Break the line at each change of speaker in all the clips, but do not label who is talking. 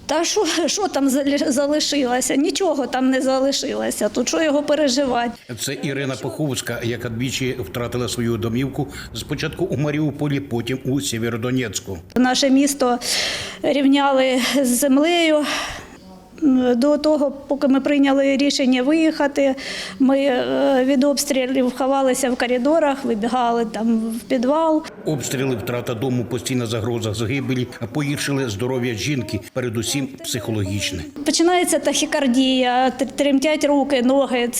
Та що там залишилося? Нічого там не залишилося. Тут що його переживати?
Це Ірина Паховська, яка двічі втратила свою домівку. Спочатку у Маріуполі, потім у Сєвєродонецьку.
Наше місто рівняли з землею. До того, поки ми прийняли рішення виїхати, ми від обстрілів ховалися в коридорах, вибігали там в підвал.
Обстріли, втрата дому, постійна загроза загибелі погіршили здоров'я жінки, передусім психологічне.
Починається тахікардія, тремтять руки, ноги.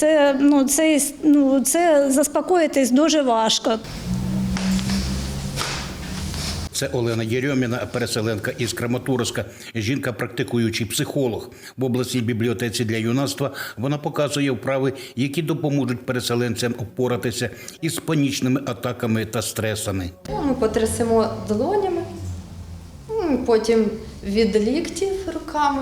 Це заспокоїтись дуже важко.
Це Олена Єрьоміна, переселенка із Краматорська. Жінка – практикуючий психолог. В обласній бібліотеці для юнацтва вона показує вправи, які допоможуть переселенцям впоратися із панічними атаками та стресами.
Ми потрясемо долонями, потім від ліктів руками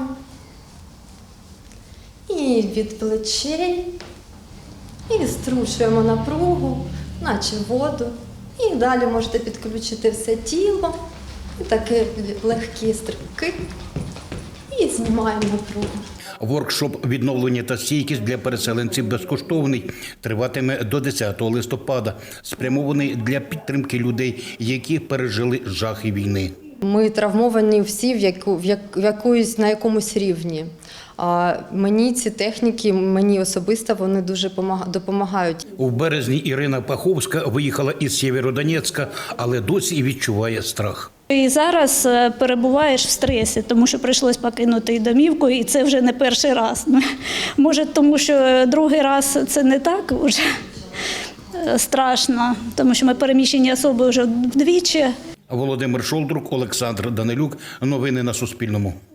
і від плечей. І струшуємо напругу, наче воду. І далі можете підключити все тіло, і такі легкі стрибки, і знімаємо напругу.
Воркшоп «Відновлення та стійкість» для переселенців безкоштовний. Триватиме до 10 листопада. Спрямований для підтримки людей, які пережили жахи війни.
Ми травмовані всі на якомусь рівні. Мені ці техніки, мені особисто, вони дуже допомагають.
У березні Ірина Паховська виїхала із Сєвєродонецька, але досі відчуває страх.
І зараз перебуваєш в стресі, тому що прийшлось покинути і домівку, і це вже не перший раз. Може, тому що другий раз це не так вже страшно, тому що ми переміщені особи вже вдвічі.
Володимир Шолдрук, Олександр Данилюк. Новини на Суспільному.